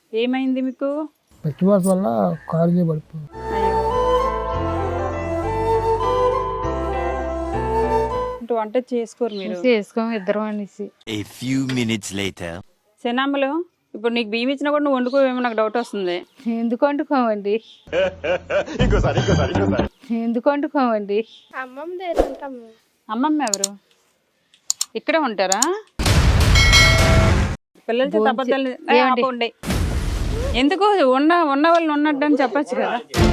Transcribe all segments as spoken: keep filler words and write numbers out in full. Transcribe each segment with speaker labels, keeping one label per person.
Speaker 1: ఏమైంది మీకు?
Speaker 2: పచ్చివాస వల్ల కారు మీద పడిపోయింది.
Speaker 1: అంటే వంట చేసుకోరు మీరు?
Speaker 3: చేసుకోము ఇద్దరం అనేసి.
Speaker 4: A few minutes later.
Speaker 1: శనామలు, ఇప్పుడు నీకు బియ్యం ఇచ్చినా కూడా నువ్వు వండుకోవేమో నాకు డౌట్ వస్తుంది.
Speaker 3: ఎందుకు వండుకోమండి? ఎందుకు వండుకోమండి?
Speaker 5: అమ్మమ్మ దగ్గర ఉంటాము.
Speaker 1: అమ్మమ్మ ఎవరు? ఇక్కడే ఉంటారా? పిల్లలు చేత అబద్ధాలు ఆపండి. ఎందుకు ఉన్న ఉన్న వాళ్ళని ఉన్నట్టు అని చెప్పచ్చు కదా.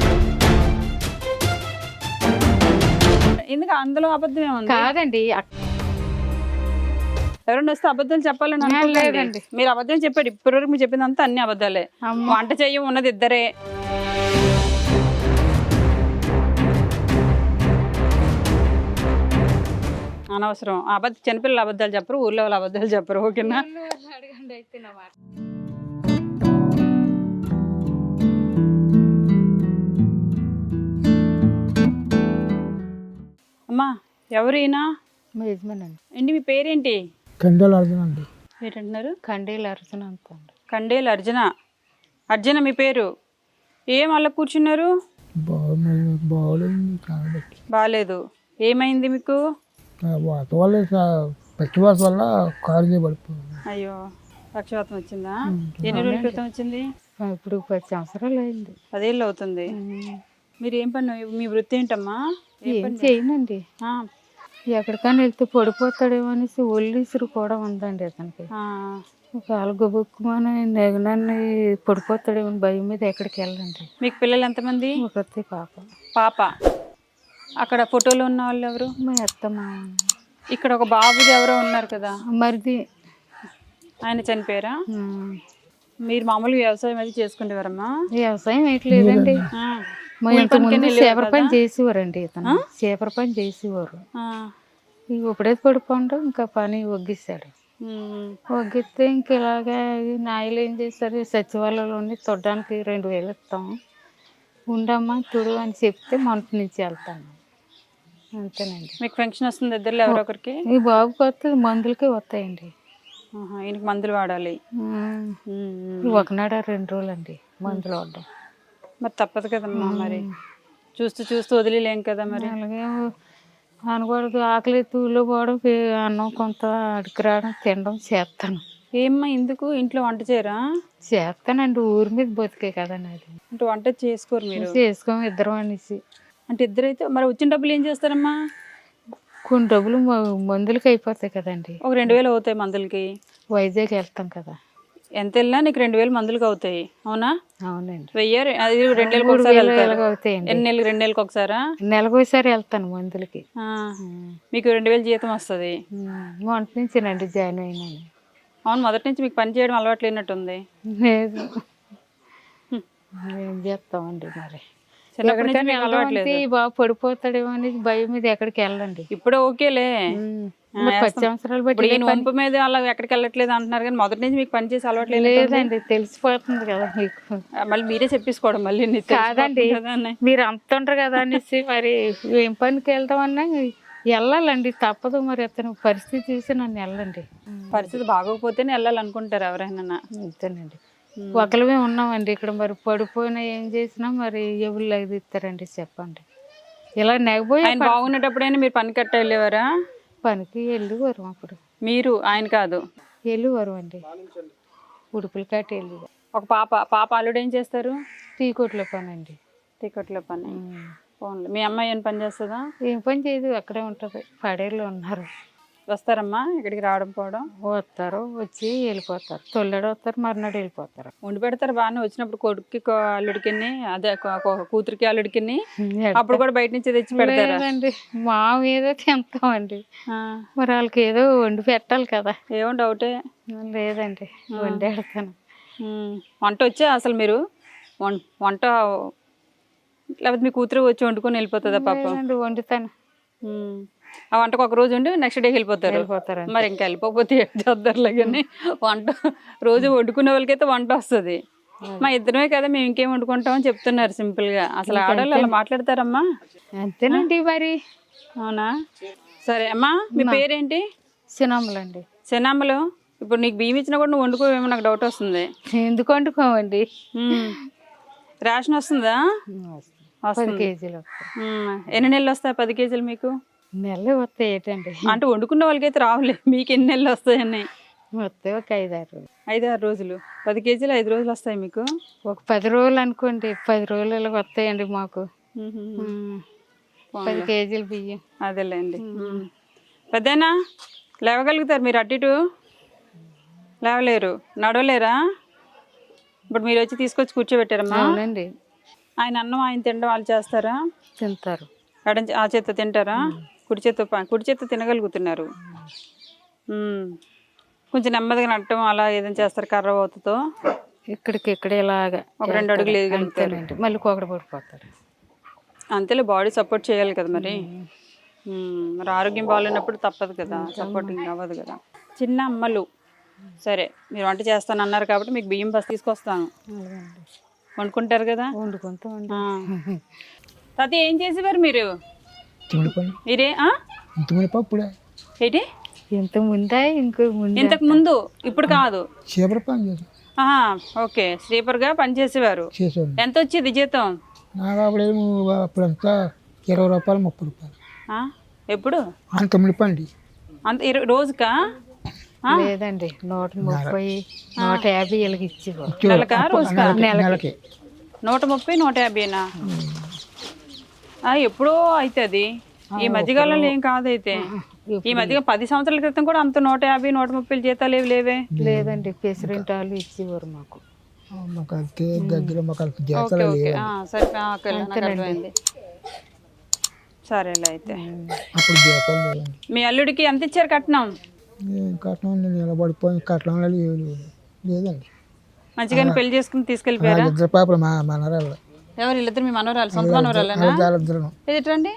Speaker 1: ఎందుకు అందులో అబద్ధం ఏముంది?
Speaker 3: కాదండి,
Speaker 1: ఎవరైనా వస్తే అబద్ధాలు చెప్పాలని అనుకోలేదండి. మీరు అబద్ధం చెప్పాడు ఇప్పటివరకు మీరు చెప్పిందంతా అన్ని అబద్ధాలే. వంట చెయ్యం ఉన్నది ఇద్దరే. అనవసరం అబద్ధం. చిన్నపిల్లలు అబద్ధాలు చెప్పరు, ఊర్లో వాళ్ళు అబద్ధాలు చెప్పరు. ఓకేనా?
Speaker 3: అడగండి అయితే నా మాట.
Speaker 1: అమ్మా ఎవరు ఈయన?
Speaker 3: మా యజమాని అండి.
Speaker 1: ఏంటి మీ పేరేంటి?
Speaker 2: కండలు అర్థం అండి.
Speaker 1: ఏంటంటున్నారు?
Speaker 3: కండీలు అర్జున అంతండి.
Speaker 1: కండేలు అర్జున. అర్జున మీ పేరు. ఏం అలా కూర్చున్నారు?
Speaker 2: బాగోలేదు.
Speaker 1: బాగాలేదు. ఏమైంది మీకు?
Speaker 2: వాత వల్ల పచ్చివాస వల్ల కారు మీద పడిపోయింది.
Speaker 1: అయ్యో, పక్షవాతం వచ్చిందా? ఎన్ని రోజుల క్రితం వచ్చింది?
Speaker 3: ఇప్పుడు పది సంవత్సరాలు అయింది.
Speaker 1: పదేళ్ళు అవుతుంది. మీరు ఏం పని, మీ వృత్తి ఏంటమ్మా?
Speaker 3: ఏం చేయనండి. ఎక్కడికైనా వెళ్తే పడిపోతాడేమో అనేసి ఒళ్ళీసురు కూడా ఉందండి అతనికి. కాలు గబుక్కుమని నెగనాన్ని పడిపోతాడేమో భయం మీద ఎక్కడికి వెళ్ళండి.
Speaker 1: మీకు పిల్లలు ఎంతమంది?
Speaker 3: ఒకటి పాప.
Speaker 1: పాప. అక్కడ ఫోటోలో ఉన్న వాళ్ళు ఎవరు?
Speaker 3: మా అత్తమ్మ.
Speaker 1: ఇక్కడ ఒక బాబుది ఎవరో ఉన్నారు కదా
Speaker 3: మరిది,
Speaker 1: ఆయన చనిపోయారా? మీరు మామూలుగా వ్యవసాయం అది చేసుకుంటేవారమ్మా?
Speaker 3: వ్యవసాయం వేయట్లేదండి. మా ఇంటి ముందు చేపర పని చేసేవారండి. ఇతను చేపర పని చేసేవారు. ఇప్పుడే పడిపోవడం ఇంకా పని ఒగ్గిస్తాడు. ఒగ్గిస్తే ఇంక ఇలాగా నాయలు ఏం చేస్తారు, సచివాలయంలోని తొడ్డానికి రెండు వేలు ఇస్తాం, ఉండమ్మా తుడు అని చెప్తే మంట నుంచి వెళ్తాను. అంతేనండి.
Speaker 1: మీకు పెన్షన్ వస్తుంది ఇద్దరు ఎవరో ఒకరికి?
Speaker 3: ఈ బాబుకి వస్తే మందులకే వస్తాయండి.
Speaker 1: ఈయనకి మందులు వాడాలి.
Speaker 3: ఒకనాడు రెండు రోజులు అండి మందులు వాడడం.
Speaker 1: మరి తప్పదు కదమ్మా, మరి చూస్తూ చూస్తూ వదిలేం కదా. మరి
Speaker 3: అలాగే అనకూడదు. ఆకలి తూలో పోవడం, అన్నం కొంత అడిగి రావడం, తినడం చేస్తాను.
Speaker 1: ఏమ్మా ఎందుకు ఇంట్లో వంట చేయరా?
Speaker 3: చేస్తానండి, ఊరి మీద బతికే కదండి. అది
Speaker 1: అంటే వంట చేసుకోరు మీరు?
Speaker 3: చేసుకోము ఇద్దరం అనేసి.
Speaker 1: అంటే ఇద్దరైతే మరి వచ్చిన డబ్బులు ఏం చేస్తారమ్మా?
Speaker 3: కొన్ని డబ్బులు మందులకి అయిపోతాయి కదండి.
Speaker 1: ఒక రెండు వేలు అవుతాయి మందులకి.
Speaker 3: వైజాగ్ వెళ్తాం కదా.
Speaker 1: ఎంత వెళ్ళినా నీకు రెండు వేలు మందులకి అవుతాయి. అవునా?
Speaker 3: అవునండి.
Speaker 1: వెయ్యి అది రెండు నెలలకు ఒకసారి
Speaker 3: అవుతాయండి.
Speaker 1: ఎన్ని నెలలు? రెండు నెలలకు ఒకసారా?
Speaker 3: నెలకు ఒకసారి వెళ్తాను మందులకి.
Speaker 1: మీకు రెండు వేలు జీతం వస్తుంది.
Speaker 3: మొదటి నుంచినండి జాయిన్ అయినాను.
Speaker 1: అవును, మొదటి నుంచి మీకు పని చేయడం అలవాటు లేనట్టుంది.
Speaker 3: లేదు, ఏం చేస్తామండి మరి. బాబు పడిపోతాడేమో అని భయం మీద ఎక్కడికి వెళ్ళండి.
Speaker 1: ఇప్పుడు ఓకేలే,
Speaker 3: పది సంవత్సరాలు బట్టి
Speaker 1: వంపు మీద అలా ఎక్కడికి వెళ్ళట్లేదు అంటున్నారు, కానీ మొదటి నుంచి మీకు పని చేసి అలవాటు
Speaker 3: లేదండి. తెలిసిపోతుంది కదా మీకు.
Speaker 1: మళ్ళీ మీరే చెప్పేసుకోవడం మళ్ళీ.
Speaker 3: కాదండి, మీరు అంత ఉంటారు కదా అనేసి మరి ఏం పనికి వెళ్తామన్నా వెళ్ళాలండి, తప్పదు. మరి అతను పరిస్థితి చూసి నన్ను వెళ్ళండి.
Speaker 1: పరిస్థితి బాగోకపోతేనే వెళ్ళాలనుకుంటారు ఎవరైనా.
Speaker 3: అంతేనండి. ఒకరిమే ఉన్నామండి ఇక్కడ. మరి పడిపోయినా ఏం చేసినా మరి ఎవరు లైవ్ ఇస్తారండి చెప్పండి. ఇలా నెగపోయి
Speaker 1: ఆయన బాగున్నప్పుడైనా మీరు పని కట్ట వెళ్ళేవారా?
Speaker 3: పనికి వెళ్ళేవారు అప్పుడు.
Speaker 1: మీరు? ఆయన కాదు,
Speaker 3: వెళ్ళేవారు అండి. ఉడుపులు కట్టి వెళ్ళేవారు.
Speaker 1: ఒక పాప. పాప అల్లుడు ఏం చేస్తారు?
Speaker 3: టీ కొట్లో పని అండి.
Speaker 1: టీ కొట్లో పని. పోన్లే. మీ అమ్మాయి ఏం పని చేస్తుందా?
Speaker 3: ఏం పని చేయదు, అక్కడే ఉంటుంది. పడేళ్ళు ఉన్నారు.
Speaker 1: వస్తారమ్మా ఇక్కడికి రావడం పోవడం?
Speaker 3: వస్తారు, వచ్చి వెళ్ళిపోతారు. తొల్లడు వస్తారు, మర్నాడు వెళ్ళిపోతారు.
Speaker 1: వండి పెడతారు బాగానే. వచ్చినప్పుడు కొడుక్కి అల్లుడికి, అదే కూతురికి అల్లుడికి అప్పుడు కూడా బయట నుంచి తెచ్చి పెడతారండి.
Speaker 3: మా ఏదో తింటామండి, మరి వాళ్ళకి ఏదో వండి పెట్టాలి కదా.
Speaker 1: ఏమో డౌటే
Speaker 3: లేదండి, వండి పెడతాను.
Speaker 1: వంట వచ్చా అసలు మీరు? వంట లేకపోతే మీ కూతురు వచ్చి వండుకొని వెళ్ళిపోతుందా? పాప
Speaker 3: వండుతాను.
Speaker 1: ఆ వంటకు ఒక రోజు ఉండి నెక్స్ట్ డే వెళ్ళిపోతారు. మరి ఇంకా వెళ్ళిపోతే ఏం చేద్దరులే. కానీ వంట రోజు వండుకునే వాళ్ళకైతే వంట వస్తుంది. మా ఇద్దరమే కదా, మేము ఇంకేం వండుకుంటామని చెప్తున్నారు సింపుల్ గా. అసలు ఆడవాళ్ళు అలా మాట్లాడతారమ్మా?
Speaker 3: అంతేనండి మరి.
Speaker 1: అవునా? సరే అమ్మా, మీ పేరేంటి?
Speaker 3: సినామలు అండి.
Speaker 1: సినామలు, ఇప్పుడు నీకు బియ్యం ఇచ్చినా కూడా నువ్వు వండుకోవేమో నాకు డౌట్ వస్తుంది.
Speaker 3: ఎందుకు వండుకోమండి?
Speaker 1: ఉమ్. రేషన్ వస్తుందా?
Speaker 3: పది
Speaker 1: వస్తుంది.
Speaker 3: కేజీలు వస్తాయి.
Speaker 1: ఉమ్. ఎన్ని నెలలు వస్తాయి పది కేజీలు మీకు?
Speaker 3: నెలలు వస్తాయి ఏంటండి?
Speaker 1: అంటే వండుకున్న వాళ్ళకైతే రావులే, మీకు ఎన్ని నెలలు వస్తాయని?
Speaker 3: వస్తాయి ఒక ఐదు ఆరు రోజులు.
Speaker 1: ఐదు ఆరు రోజులు పది కేజీలు ఐదు రోజులు వస్తాయి మీకు.
Speaker 3: ఒక పది రోజులు అనుకోండి, పది రోజులు వస్తాయండి మాకు. ఉమ్. పది కేజీలు బియ్యం.
Speaker 1: అదేలేండి. పెద్దనా లేవగలుగుతారు మీరు? అటు ఇటు లేవలేరు, నడవలేరా? ఇప్పుడు మీరు వచ్చి తీసుకొచ్చి కూర్చోబెట్టారమ్మా?
Speaker 3: అవునండి.
Speaker 1: ఆయన అన్నం ఆయన తినడం వాళ్ళు చేస్తారా?
Speaker 3: తింటారు.
Speaker 1: ఎడం ఆ చేత్తో తింటారా? కుడి చేత్తో ప- కుడి చేత్తో తినగలుగుతున్నారు. ఉమ్. కొంచెం నెమ్మదిగా నట్టడం అలా ఏదైనా చేస్తారు కర్ర పోతుతో?
Speaker 3: ఇక్కడికి ఇక్కడ ఇలాగా
Speaker 1: ఒక రెండు అడుగులు వేయగలుగుతారు.
Speaker 3: అంతేనండి. మళ్ళీ కోకడ పడిపోతాడు.
Speaker 1: అంతేలే, బాడీ సపోర్ట్ చేయాలి కదా మరి. ఉమ్, మరి ఆరోగ్యం బాగాలేనప్పుడు తప్పదు కదా, సపోర్టింగ్ అవ్వదు కదా. చిన్న అమ్మలు, సరే మీరు వంట చేస్తాను అన్నారు కాబట్టి మీకు బియ్యం బస్ తీసుకొస్తాను, వండుకుంటారు కదా.
Speaker 3: వండుకుంటామండి.
Speaker 1: తాత ఏం చేసేవారు మీరు?
Speaker 2: ఇంతమంది పని
Speaker 1: మీరే ఆ?
Speaker 2: ఇంతమంది పప్పుడే
Speaker 1: ఏంటి
Speaker 3: ఇంత ముందా ఇంకో ముందు?
Speaker 1: ఇంతకు ముందు, ఇప్పుడు కాదు.
Speaker 2: చీపర పని చేసాం
Speaker 1: ఆహా, ఓకే. స్లీపర్గా పనిచేసేవారు.
Speaker 2: చేసాను.
Speaker 1: ఎంత వచ్చేది జీతం?
Speaker 2: నాకు అప్పుడేమో అప్పుడంతా ఇరవై రూపాయలు ముప్పై రూపాయలు.
Speaker 1: ఆ? ఎప్పుడు?
Speaker 2: అంత తొమ్మిది పని
Speaker 1: అంత ఇరవై రోజుకా?
Speaker 3: లేదండి, నూట ముప్పై నూట యాభై వీళ్ళకి ఇచ్చేవారు.
Speaker 1: నెలకా రోజుకా?
Speaker 2: నెలకి
Speaker 1: నూట ముప్పై నూట యాభైనా? ఎప్పుడో అవుతుంది, ఈ మధ్యకాలంలో ఏం కాదైతే. ఈ మధ్య పది సంవత్సరాల క్రితం కూడా అంత నూట యాభై నూట ముప్పై జీతాలు ఏవి లేవే.
Speaker 3: లేదండి, ప్రెసిడెంట్ వాళ్ళు ఇచ్చేవారు మాకు.
Speaker 2: మాకు అంతే దగ్గర మాకు అంత
Speaker 1: ఓకే
Speaker 2: జాతర
Speaker 1: ఓకే, ఆ, సరే ఆ, ఓకే, నాకు అర్థమైంది. సరేలే అయితే.
Speaker 2: అప్పుడు జాతర లేదండి.
Speaker 1: మీ అల్లుడికి ఎంత ఇచ్చారు కట్నం?
Speaker 2: ఏం కట్నం నేను నిలబడిపోయి కట్నం లేదు లేదండి.
Speaker 1: మంచిగానే పెళ్లి చేసుకుని తీసుకెళ్ళిపోయారా?
Speaker 2: ఇద్దరు పాపలు మా మనరాళ్ళు
Speaker 1: ఎవరు వీళ్ళిద్దరు? మీ మనవరాలు, సొంత మనవరాలేనా?
Speaker 2: వాళ్ళిద్దరు
Speaker 1: ఎదుటండి,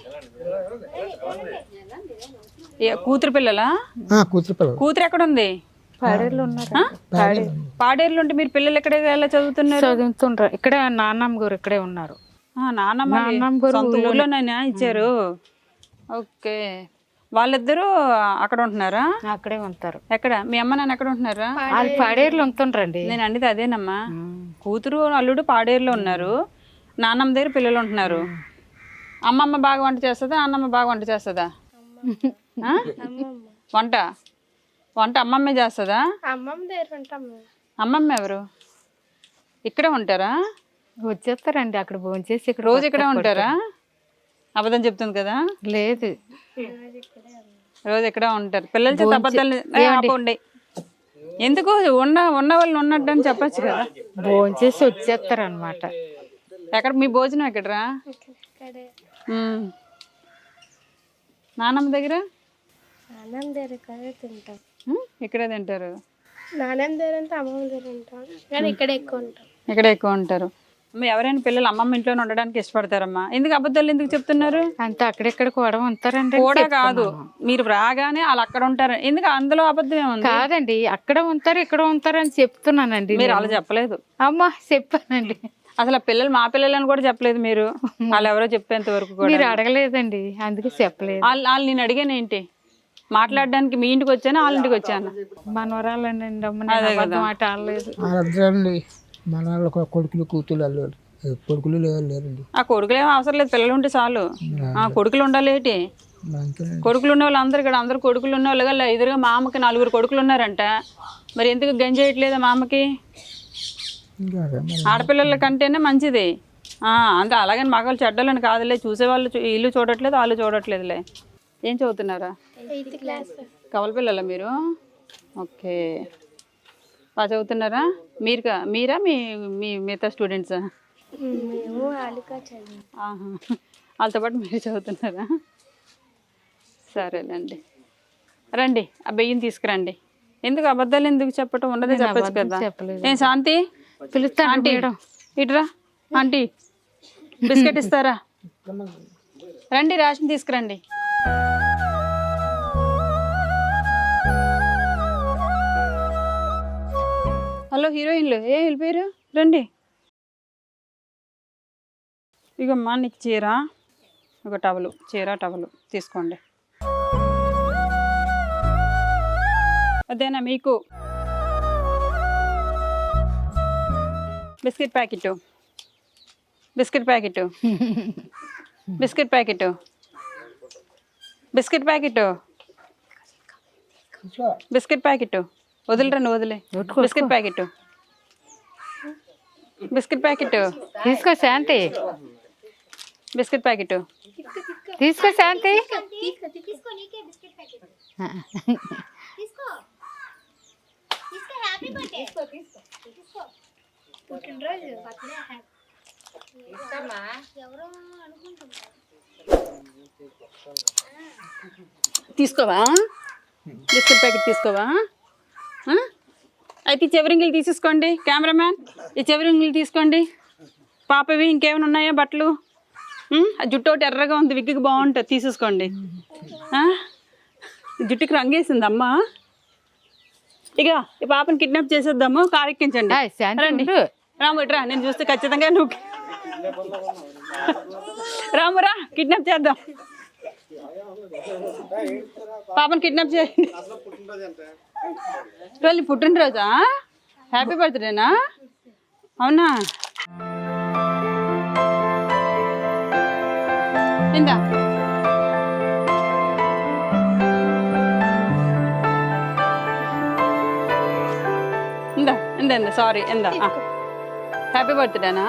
Speaker 1: కూతురు పిల్లలా?
Speaker 2: కూతురు పిల్లలు.
Speaker 1: కూతురు ఎక్కడ ఉంది?
Speaker 3: పాడేళ్ళు ఉన్నారు.
Speaker 1: పాడేరులో ఉంటే మీరు పిల్లలు ఎక్కడ ఎలా చదువుతున్నారు?
Speaker 3: చదువుతుండ్రు. ఇక్కడ నాన్నమ్మ గారు ఇక్కడే ఉన్నారు.
Speaker 1: ఆ, నాన్నమ్మ
Speaker 3: నాన్నమ్మ గారు
Speaker 1: సొంత ఊర్లోనైనా ఇచ్చారు. ఓకే, వాళ్ళిద్దరూ అక్కడ ఉంటున్నారా?
Speaker 3: అక్కడే ఉంటారు.
Speaker 1: ఎక్కడ? మీ అమ్మ నాన్న ఎక్కడ ఉంటున్నారా?
Speaker 3: వాళ్ళు పాడేరులో ఉంటుండ్రండి.
Speaker 1: నేను అనేది అదేనమ్మా, కూతురు అల్లుడు పాడేరులో ఉన్నారు, నాన్నమ్మ దగ్గర పిల్లలు ఉంటున్నారు. అమ్మమ్మ బాగా వంట చేస్తుందా, నాన్నమ్మ బాగా వంట చేస్తుందా? ఆ? వంట వంట అమ్మమ్మే చేస్తుందా? అమ్మమ్మ ఎవరు? ఇక్కడే ఉంటారా?
Speaker 3: వచ్చేస్తారండి అక్కడ భోంచేసి ఇక్కడ
Speaker 1: రోజు ఇక్కడే ఉంటారా? అబద్ధం చెప్తుంది కదా.
Speaker 3: లేదు,
Speaker 1: రోజు ఇక్కడే ఉంటారు. పిల్లల చేత అబద్ధాలు ఏ, ఆపండి. ఎందుకు ఉన్న ఉన్న వాళ్ళు ఉన్నట్టు అని చెప్పచ్చు కదా.
Speaker 3: భోంచేసి వచ్చేస్తారు అనమాట.
Speaker 1: ఎక్కడ మీ భోజనం ఎక్కడరా? ఉమ్. నానమ్మ దగ్గర
Speaker 5: నాన్నమ్మ దగ్గర తింటాం.
Speaker 1: ఉమ్, ఇక్కడే తింటారు.
Speaker 5: నాన్నమ్మ దగ్గర అంటే అమ్మమ్మ దగ్గర ఉంటాం, కానీ ఇక్కడ ఎక్కువ ఉంటాం.
Speaker 1: ఇక్కడ ఎక్కువ ఉంటారు. అమ్మ, ఎవరైనా పిల్లలు అమ్మమ్మ ఇంట్లోనే ఉండడానికి ఇష్టపడతారమ్మా. ఎందుకు అబద్ధాలు ఎందుకు చెప్తున్నారు?
Speaker 3: అంతే, అక్కడెక్కడ కూడా ఉంటారండి.
Speaker 1: కూడా కాదు, మీరు రాగానే వాళ్ళు అక్కడ ఉంటారు. ఎందుకు అందులో అబద్ధం ఏముంది?
Speaker 3: కాదండి, అక్కడ ఉంటారు ఇక్కడ ఉంటారు అని చెప్తున్నానండి.
Speaker 1: మీరు అలా చెప్పలేదు.
Speaker 3: అమ్మా చెప్పానండి.
Speaker 1: అసలు ఆ పిల్లలు మా పిల్లలని కూడా చెప్పలేదు మీరు. వాళ్ళు ఎవరో చెప్పేంత వరకు కూడా
Speaker 3: మీరు అడగలేదండి, అందుకే చెప్పలేదు.
Speaker 1: వాళ్ళు వాళ్ళు నేను అడిగాను ఏంటి మాట్లాడడానికి, మీ ఇంటికి వచ్చాను వాళ్ళ ఇంటికి వచ్చాను.
Speaker 3: మనవరాలండి అమ్మ, నేను అబద్ధం మాట ఆడలేదు.
Speaker 2: వాళ్ళిద్దరండి మన వాళ్ళు కొడుకులు కూతురు అల్లుడు కొడుకులు లేరు లేరండి.
Speaker 1: ఆ కొడుకులు ఏమో అవసరం లేదు, పిల్లలు ఉంటే చాలు. ఆ కొడుకులు ఉండాలి ఏంటి?
Speaker 2: అంతేనండి.
Speaker 1: కొడుకులు ఉన్న వాళ్ళు అందరు ఇక్కడ అందరు కొడుకులు ఉన్న వాళ్ళు కదా. ఎదురుగా మా అమ్మకి నలుగురు కొడుకులు ఉన్నారంట. మరి ఎందుకు గంజేయట్లేదా మా అమ్మకి?
Speaker 2: ఇంకా అదే మరి.
Speaker 1: ఆడపిల్లల కంటేనే మంచిది. అంటే అలాగని మగవాళ్ళు చెడ్డలని కాదులే, చూసేవాళ్ళు చూ- ఇల్లు చూడట్లేదు వాళ్ళు చూడట్లేదులే. ఏం చదువుతున్నారా?
Speaker 5: Eighth class.
Speaker 1: కవల పిల్లలా మీరు? ఓకే, బాగా చదువుతున్నారా? మీరు కా- మీరా మీ మీ మిగతా స్టూడెంట్సా?
Speaker 5: మేము ఆలుకా చదివాం.
Speaker 1: ఆహా, వాళ్ళతో పాటు మీరు చదువుతున్నారా? సరేలేండి, రండి ఆ బియ్యం తీసుకురండి. ఎందుకు అబద్ధాలు ఎందుకు చెప్పటం? ఉండదే చెప్పచ్చు కదా.
Speaker 3: చెప్పలేదు.
Speaker 1: ఏం శాంతి,
Speaker 3: పిలుస్తాను
Speaker 1: ఆంటీ
Speaker 3: మేడం.
Speaker 1: ఇటురా. ఆంటీ బిస్కెట్ ఇస్తారా? రండి, రేషన్ తీసుకురండి. హలో హీరోయిన్లు, ఏ వెళ్ళిపోయారు? రండి. ఇగమ్మా నీకు చీర, ఒక టవలు, చీర టవలు తీసుకోండి. అదేనా మీకు? Biscuit packet biscuit packet biscuit packet biscuit packet biscuit packet వదిలిరండి వదిలే బిస్కెట్ ప్యాకెట్ బిస్కెట్ ప్యాకెట్
Speaker 3: తీసుకో శాంతి
Speaker 1: బిస్కెట్ ప్యాకెట్
Speaker 3: తీసుకో శాంతి
Speaker 5: తీసుకో నీకే బిస్కెట్ ప్యాకెట్ తీసుకో తీసుకో హ్యాపీ బర్త్డే తీసుకో తీసుకో తీసుకో పుట్టినరోజు బర్త్డే హ్యాపీ ఇస్తామా ఎవరో అనుకుంటున్నారు
Speaker 1: తీసుకోవా బిస్కెట్ ప్యాకెట్ తీసుకోవా ఆ? అయితే ఈ చెవిరింగిలు తీసేసుకోండి కెమెరామ్యాన్ ఈ చెవిరింగిలు తీసుకోండి పాపవి ఇంకేమైనా ఉన్నాయా బట్టలు ఉమ్, ఆ జుట్టు ఒకటి ఎర్రగా ఉంది విగ్గికి బాగుంటుంది తీసేసుకోండి ఆ? జుట్టుకి రంగేసింది అమ్మ ఇక ఈ పాపని కిడ్నాప్ చేసేద్దాము కారు ఎక్కించండి
Speaker 3: ఏయ్, శాంతి
Speaker 1: రండి
Speaker 3: ఉండు.
Speaker 1: రాము ఇట్రా నేను చూస్తే ఖచ్చితంగా నువ్వు రామురా కిడ్నాప్ చేద్దాం పాపని కిడ్నాప్ చేయండి రోజు పుట్టినరోజా హ్యాపీ బర్త్డేనా అవునా ఇందా ఇందా ఇందా ఇందా సారీ ఇందా హ్యాపీ బర్త్డేనా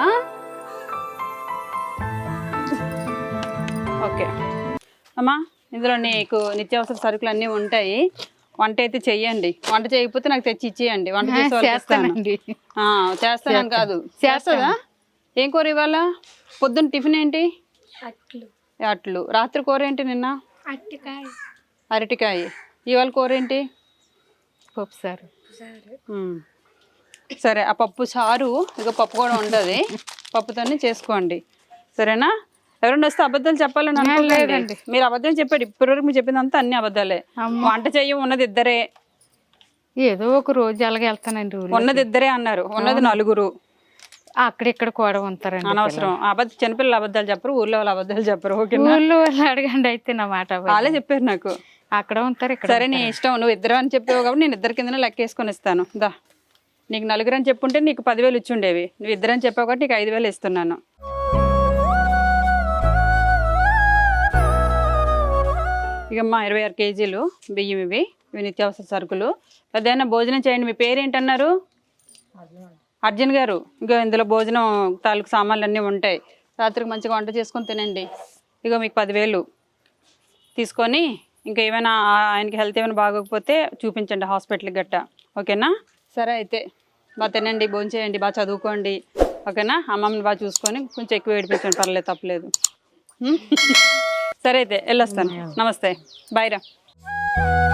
Speaker 1: ఓకే అమ్మా ఇందులో నీకు నిత్యావసర సరుకులు అన్నీ ఉంటాయి వంట అయితే చెయ్యండి వంట చేయకపోతే నాకు తెచ్చి ఇచ్చేయండి వంట చేసే వాళ్ళకి ఇస్తాను.
Speaker 3: చేస్తానండి
Speaker 1: ఆ, చేస్తానని కాదు చేస్తుందా ఏం కూర ఇవాళ పొద్దున్న టిఫిన్ ఏంటి
Speaker 5: అట్లు
Speaker 1: అట్లు రాత్రి కూర ఏంటి నిన్న
Speaker 5: అట్టికాయ
Speaker 1: అరటికాయ ఇవాళ కూర ఏంటి
Speaker 3: పప్పు సార్
Speaker 5: సరే
Speaker 1: ఉమ్. సరే ఆ పప్పు చారు ఇక పప్పు కూడా ఉంటుంది పప్పుతోనే చేసుకోండి సరేనా ఎవరైనా వస్తే అబద్ధాలు చెప్పాలని అనుకోలేదండి మీరు అబద్ధం చెప్పాడు ఇప్పటివరకు మీరు చెప్పిందంతా అన్ని అబద్ధాలే వంట చెయ్యం ఉన్నది ఇద్దరే
Speaker 3: ఏదో ఒక రోజు అలాగే వెళ్తానండి ఊళ్ళో.
Speaker 1: ఉన్నది ఇద్దరే అన్నారు ఉన్నది నలుగురు
Speaker 3: అక్కడిక్కడ కూడా ఉంటారండి
Speaker 1: అనవసరం అబద్ధ చిన్నపిల్లలు అబద్ధాలు చెప్పరు ఊర్లో వాళ్ళు అబద్ధాలు చెప్పరు ఓకేనా
Speaker 3: ఊళ్ళో వాళ్ళు అడగండి అయితే నా మాట అవ్వదు.
Speaker 1: వాళ్ళే చెప్పారు నాకు
Speaker 3: అక్కడ ఉంటారు ఇక్కడ
Speaker 1: సరే నీ ఇష్టం నువ్వు ఇద్దరు అని చెప్పావు కాబట్టి నేను ఇద్దరి కింద లెక్కేసుకొని ఇస్తాను దా నీకు నలుగురు అని చెప్పుంటే నీకు పదివేలు ఇచ్చి ఉండేవి నువ్వు ఇద్దరు అని చెప్పావు కాబట్టి నీకు ఐదు వేలు ఇస్తున్నాను ఇకమ్మా ఇరవై ఆరు కేజీలు బియ్యం ఇవి ఇవి నిత్యావసర సరుకులు పెద్దయినా భోజనం చేయండి మీ పేరు ఏంటన్నారు అర్జున్ గారు ఇగో ఇందులో భోజనం తాలూకు సామాన్లు అన్నీ ఉంటాయి రాత్రికి మంచిగా వంట చేసుకొని తినండి ఇగో మీకు పదివేలు తీసుకొని ఇంకా ఏమైనా ఆయనకి హెల్త్ ఏమైనా బాగోకపోతే చూపించండి హాస్పిటల్కి గట్ట ఓకేనా సరే అయితే బాగా తినండి భోజనం చేయండి బాగా చదువుకోండి ఓకేనా అమ్మమ్మని బాగా చూసుకొని కొంచెం ఎక్కువ ఏడిపించండి పర్లేదు తప్పలేదు సరే అయితే వెళ్ళొస్తాను నమస్తే బాయ్ రా